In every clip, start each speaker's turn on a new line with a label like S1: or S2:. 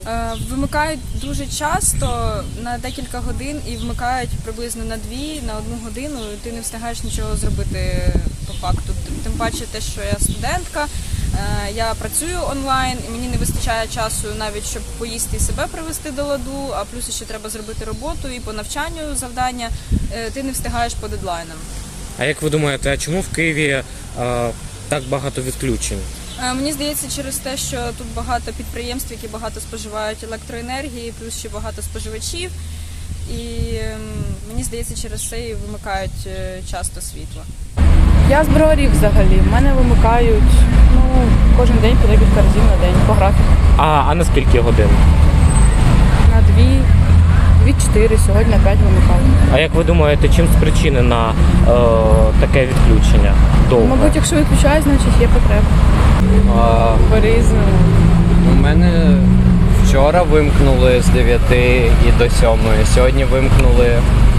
S1: Вимикають дуже часто на декілька годин і вмикають приблизно на 1 годину, і ти не встигаєш нічого зробити по факту. Тим паче те, що я студентка, я працюю онлайн і мені не вистачає часу навіть, щоб поїсти і себе привести до ладу, а плюс ще треба зробити роботу і по навчанню завдання, ти не встигаєш по дедлайнам.
S2: А як ви думаєте, а чому в Києві так багато відключень?
S1: Мені здається, через те, що тут багато підприємств, які багато споживають електроенергії, плюс ще багато споживачів. І мені здається, через це і вимикають часто світло.
S3: Я з Броварів взагалі. В мене вимикають кожен день по декілька разів на день по графіку.
S2: А на скільки годин?
S3: На 2-4, сьогодні на 5 вимикають.
S2: А як ви думаєте, чим спричинено таке відключення? Довго?
S3: Мабуть, якщо виключають, значить є потреба. По-різному.
S4: У мене вчора вимкнули з 9 і до 7. Сьогодні вимкнули,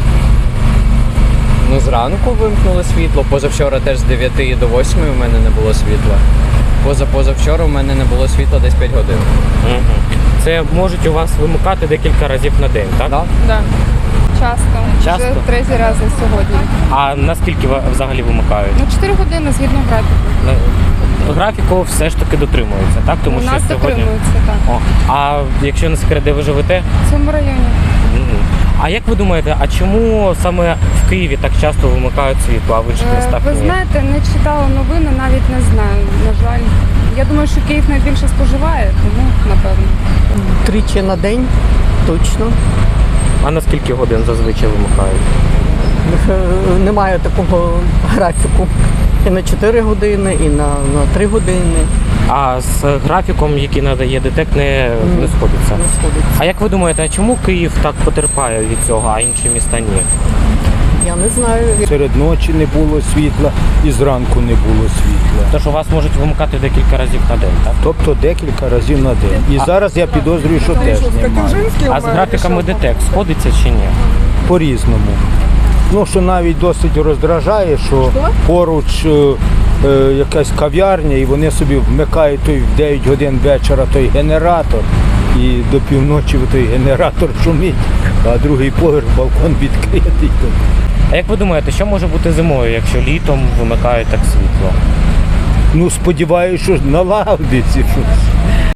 S4: зранку вимкнули світло. Позавчора теж з 9 і до 8 у мене не було світла. Позавчора у мене не було світла десь 5 годин.
S2: Угу. Це можуть у вас вимикати декілька разів на день, так?
S4: Да?
S3: Да. Часто.
S2: Часто?
S3: Вже третій раз за сьогодні.
S2: А наскільки взагалі вимикають?
S3: 4 години згідно графіку.
S2: Графіку все ж таки дотримуються, так? Тому
S3: У
S2: що
S3: нас
S2: сьогодні...
S3: дотримуються, так.
S2: О, а якщо не секрет, де ви живете?
S3: В цьому районі.
S2: Мгм. А як ви думаєте, а чому саме в Києві так часто вимикають світло, а в інших містах
S3: Ви
S2: ні?
S3: знаєте, не читала новини, навіть не знаю, на жаль. Я думаю, що Київ найбільше споживає, тому напевно.
S5: Тричі на день, точно.
S2: А на скільки годин зазвичай вимикають?
S5: Немає такого графіку. І на 4 години, і на 3 години
S2: А з графіком, який надає ДТЕК, не сходиться?
S5: не сходиться.
S2: А як ви думаєте, а чому Київ так потерпає від цього, а інші міста ні?
S5: Я не знаю.
S6: Серед ночі не було світла і зранку не було світла.
S2: Тож у вас можуть вимикати декілька разів на день, так?
S6: Тобто декілька разів на день. І зараз я підозрюю, що теж немає.
S2: А з графіками ДТЕК сходиться чи ні?
S6: По-різному. Що навіть досить роздражає, що поруч якась кав'ярня, і вони собі вмикають той в 9 годин вечора той генератор, і до півночі той генератор шумить, а другий поверх балкон відкритий.
S2: А як ви думаєте, що може бути зимою, якщо літом вимикають так світло?
S6: Сподіваюся, що налагодиться щось.